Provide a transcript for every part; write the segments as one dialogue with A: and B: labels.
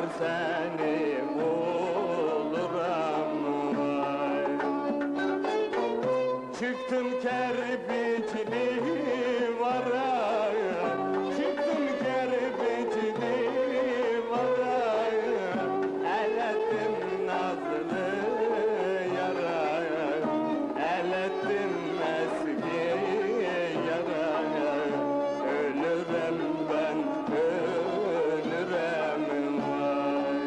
A: seni bulurum vay. Çıktım Kerbicili vara, çıktım Kerbicili vara, elettim nazlı yara, elettim eski yara. Ölürem ben, ölürem vay.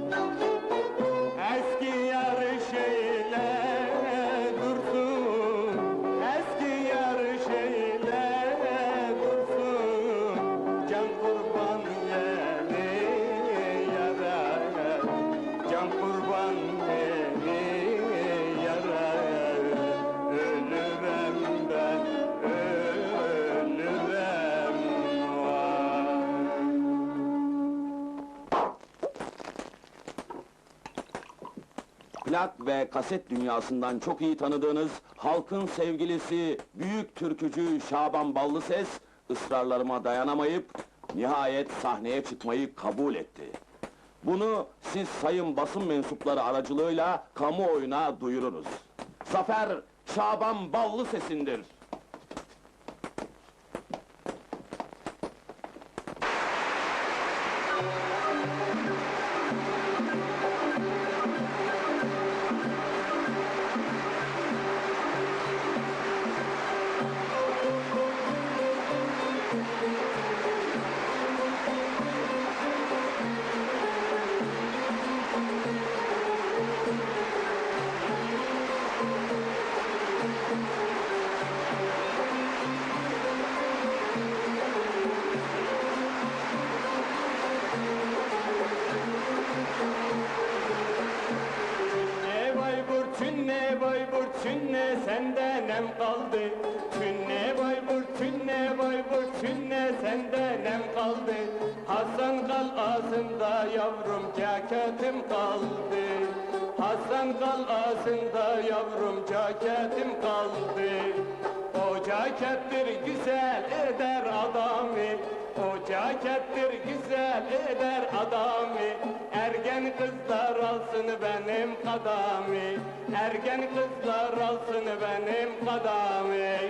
A: Eski yar şeyle dursun, eski yar şeyle dursun, can kurban yeni yara, can kurban yeni yara. Ölürem ben, ölürem vay.
B: Plak ve kaset dünyasından çok iyi tanıdığınız halkın sevgilisi, büyük türkücü Şaban Ballıses, ısrarlarıma dayanamayıp nihayet sahneye çıkmayı kabul etti. Bunu siz sayın basın mensupları aracılığıyla kamuoyuna duyururuz. Zafer Şaban Ballıses'indir.
A: Tünne Bayburt tünne senden nem kaldı. Tünne Bayburt tünne Bayburt tünne senden nem kaldı. Hasan kalasında yavrum ceketim kaldı. Hasan kalasında yavrum ceketim kaldı. O cekettir güzel eder adamı. O cekettir güzel eder adamı. Ergen kızlar alsın benim kadami. Ergen kızlar alsın benim kadami.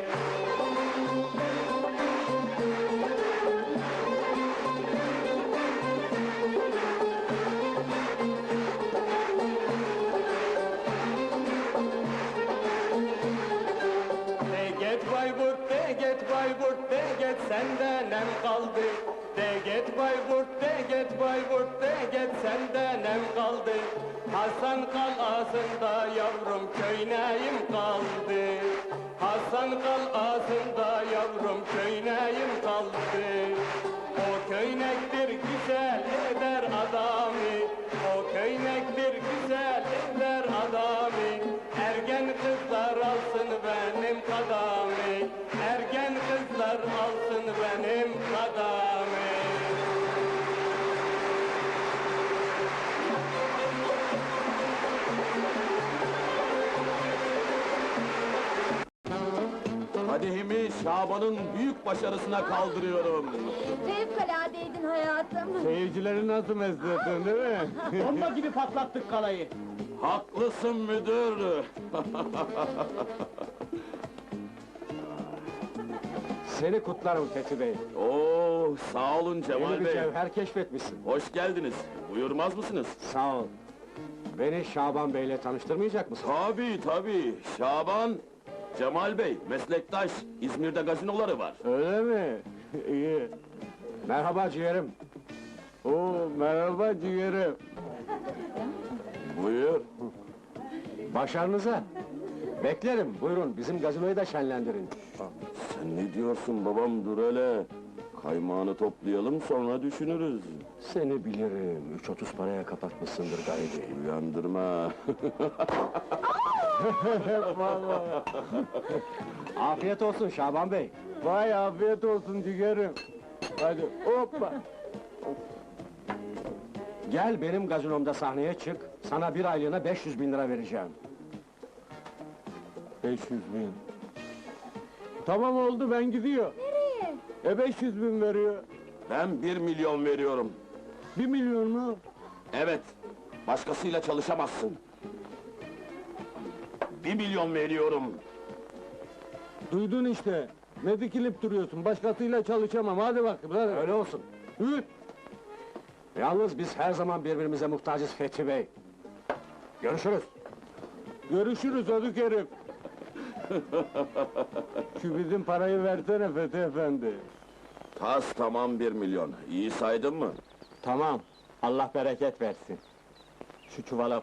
A: De git Bayburt, de git Bayburt, de git senden nem kaldı. De git Bayburt, de git Bayburt, de git senden nem kaldı. Hasan kalasında yavrum köyneyim kaldı. Hasan kalasında yavrum köyneyim kaldı. O köynektir güzel eder adamı. O köynektir güzel eder adamı. Ergen kızlar alsın benim kadami. Ergen kızlar alsın benim kadami.
B: Kadehimi Şaban'ın büyük başarısına kaldırıyorum.
C: Fevkaladeydin hayatım.
A: Seyircileri nasıl mesledin değil mi?
D: Bomba gibi patlattık kalayı.
B: Haklısın müdür.
D: Seni kutlarım Fethi Bey.
B: Oo, sağ olun Cemal
D: Yeni bir
B: Bey.
D: cevher keşfetmişsin.
B: Hoş geldiniz. Buyurmaz mısınız?
D: Sağ ol. Beni Şaban Bey'le tanıştırmayacak mısın?
B: Tabii tabii. Şaban, Cemal Bey, meslektaş. İzmir'de gazinoları var.
A: Öyle mi? İyi.
D: Merhaba ciğerim.
A: Oo, merhaba ciğerim.
B: Buyur.
D: Başarınıza. Beklerim, buyurun bizim gazinoyu da şenlendirin.
B: Sen ne diyorsun babam, dur hele. Kaymağını toplayalım, sonra düşünürüz.
D: Seni bilirim, 3.30 paraya kapatmışsındır gayri.
B: Uyandırma.
D: Afiyet olsun Şaban Bey.
A: Vay afiyet olsun ciğerim. Hadi hoppa.
D: Gel benim gazinomda sahneye çık, sana bir aylığına 500.000 lira vereceğim.
A: 500.000. Tamam oldu, ben gidiyor.
C: Nereye?
A: 500.000 veriyor.
B: Ben 1 milyon veriyorum.
A: 1 milyon mu?
B: Evet, başkasıyla çalışamazsın. 1 milyon veriyorum.
A: Duydun işte. Ne dikilip duruyorsun? Başkasıyla çalışamam. Hadi bakayım, hadi.
D: Öyle olsun.
A: Hüt!
D: Yalnız biz her zaman birbirimize muhtacız Fethi Bey. Görüşürüz.
A: Görüşürüz ödük herif. Şu bizim parayı versene Fethi Efendi.
B: Tas tamam 1 milyon. İyi saydın mı?
A: Tamam. Allah bereket versin. Şu çuvala